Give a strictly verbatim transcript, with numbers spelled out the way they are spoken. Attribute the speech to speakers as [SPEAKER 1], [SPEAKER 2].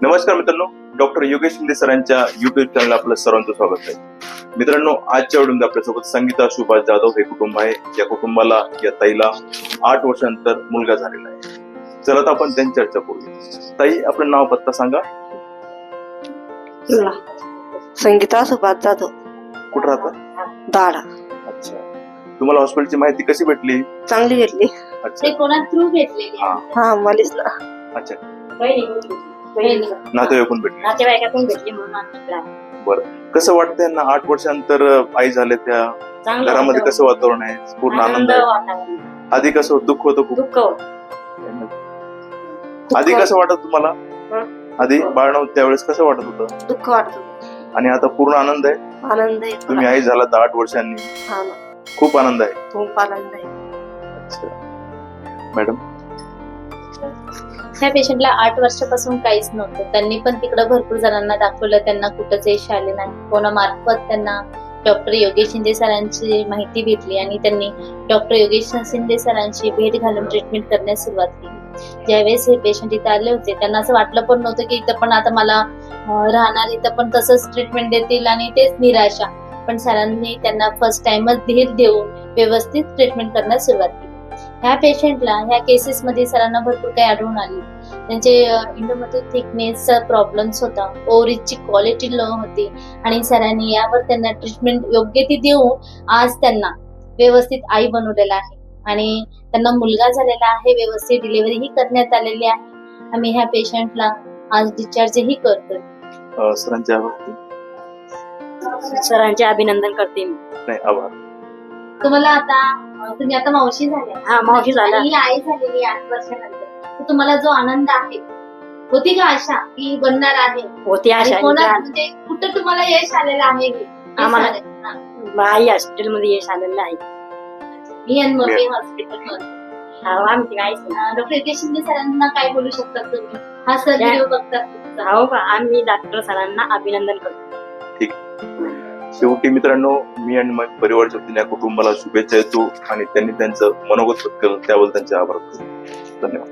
[SPEAKER 1] नमस्कार मित्रांनो, डॉक्टर योगेश शिंदे सरांच्या युट्यूब चॅनल आपलं सर्वांचं स्वागत आहे. मित्रांनो, आजच्या वेळेमध्ये आपल्यासोबत संगीता सुभाष जाधव हे कुटुंब आहे. या कुटुंबाला, या ताईला आठ वर्षांनंतर मुलगा झालेला आहे. चला तर आपण त्यांची चर्चा करूया. ताई, आपलं नाव पत्ता सांगा.
[SPEAKER 2] संगीता सुभाष जाधव.
[SPEAKER 1] कुठं राहता?
[SPEAKER 2] दाडा.
[SPEAKER 1] अच्छा, तुम्हाला हॉस्पिटलची माहिती कशी भेटली?
[SPEAKER 2] चांगली भेटली.
[SPEAKER 1] अच्छा,
[SPEAKER 3] कोणा थ्रू भेटलेली?
[SPEAKER 2] हा, मलाच ना.
[SPEAKER 1] अच्छा,
[SPEAKER 3] बहिणी
[SPEAKER 1] नातेवाईकून भेटली.
[SPEAKER 3] नातेवाईकातून भेटली म्हणून आम्ही इकडे आलो.
[SPEAKER 1] बरं, कसं वाटतंय ना आठ वर्षांनंतर आई झाले त्या
[SPEAKER 3] चांगलं
[SPEAKER 1] घरामध्ये?
[SPEAKER 3] वाटतं.
[SPEAKER 1] कसं वातावरण आहे? पूर्ण आनंद
[SPEAKER 3] आनंद
[SPEAKER 1] आहे?
[SPEAKER 3] वातावरण.
[SPEAKER 1] आधी कसं होतं? दुःख होतं खूप?
[SPEAKER 3] दुःख होतं.
[SPEAKER 1] आधी कसं वाटत तुम्हाला?
[SPEAKER 2] हं?
[SPEAKER 1] आधी बाळ नव्हतं त्यावेळेस कसं वाटत होतं?
[SPEAKER 2] दुःख वाटत.
[SPEAKER 1] आणि आता पूर्ण आनंद आहे?
[SPEAKER 2] आनंद आहे.
[SPEAKER 1] तुम्ही आई झाला तर आठ वर्षांनी,
[SPEAKER 2] हा ना,
[SPEAKER 1] खूप आनंद आहे.
[SPEAKER 2] खूप आनंद आहे.
[SPEAKER 1] अच्छा मॅडम,
[SPEAKER 3] ह्या पेशंटला आठ वर्षापासून काहीच नव्हतं. त्यांनी पण तिकडे भरपूर जणांना दाखवलं, त्यांना कुठंच यश आले नाही. कोणामार्फत त्यांना डॉक्टर योगेश शिंदे सरांची माहिती भेटली आणि त्यांनी डॉक्टर योगेश शिंदे सरांची भेट घालून ट्रीटमेंट करण्यास सुरुवात केली. ज्यावेळेस हे पेशंट इथं आले होते त्यांना असं वाटलं पण नव्हतं की इथं पण आता मला राहणार, इथं पण तसंच ट्रीटमेंट देतील आणि तेच निराशा. पण सरांनी त्यांना फर्स्ट टाइमच धीर देऊन व्यवस्थित ट्रीटमेंट करण्यास सुरुवात केली. ह्या पेशंटला ह्या केसेस मध्ये सरांना भरपूर काही आढळून आली. त्यांचे इंडोमध्ये थिकनेसचा प्रॉब्लेम्स होता, ओव्हरीजची क्वालिटी लो होती आणि सरांनी यावर त्यांना ट्रीटमेंट योग्य ती देऊन आज त्यांना व्यवस्थित आई बनवलेला आहे आणि त्यांना मुलगा झालेला आहे. व्यवस्थित डिलिव्हरीही करण्यात आलेली आहे. आम्ही ह्या पेशंटला आज डिस्चार्जही करतोय.
[SPEAKER 1] सरांच्या आभार.
[SPEAKER 3] सरांचे अभिनंदन करते मी.
[SPEAKER 1] नाही, आभार.
[SPEAKER 3] तुम्हाला आता तुम्ही आता मावशी झाल्या.
[SPEAKER 2] हा, मावशी झाल्या.
[SPEAKER 3] आणि आई झालेली आठ वर्षानंतर. तर तुम्हाला जो आनंद आहे, होती का आशा की बनणार आहे?
[SPEAKER 2] होती आशा.
[SPEAKER 3] आणि कोणा- म्हणजे कुठं तुम्हाला यश आलेलं आहे? हे
[SPEAKER 2] आम्हाला-
[SPEAKER 3] सांगा. हा.
[SPEAKER 2] आई हॉस्पिटल मध्ये यश आलेलं आहे.
[SPEAKER 3] Ian More hospital.
[SPEAKER 2] आम्ही काहीच नाही.
[SPEAKER 3] डॉक्टर योगेश शिंदे सरांना काय बोलू शकतात तुम्ही? हा सर
[SPEAKER 2] त्या-
[SPEAKER 3] व्हिडिओ बघतात.
[SPEAKER 2] हो का, आम्ही डॉक्टर सरांना अभिनंदन करतो.
[SPEAKER 1] शेवटी मित्रांनो, मी आणि माझ्या परिवारच्या वतीने या कुटुंबाला शुभेच्छा देतो आणि त्यांनी त्यांचं मनोगत व्यक्त केलं त्याबद्दल त्यांचे आभार. धन्यवाद.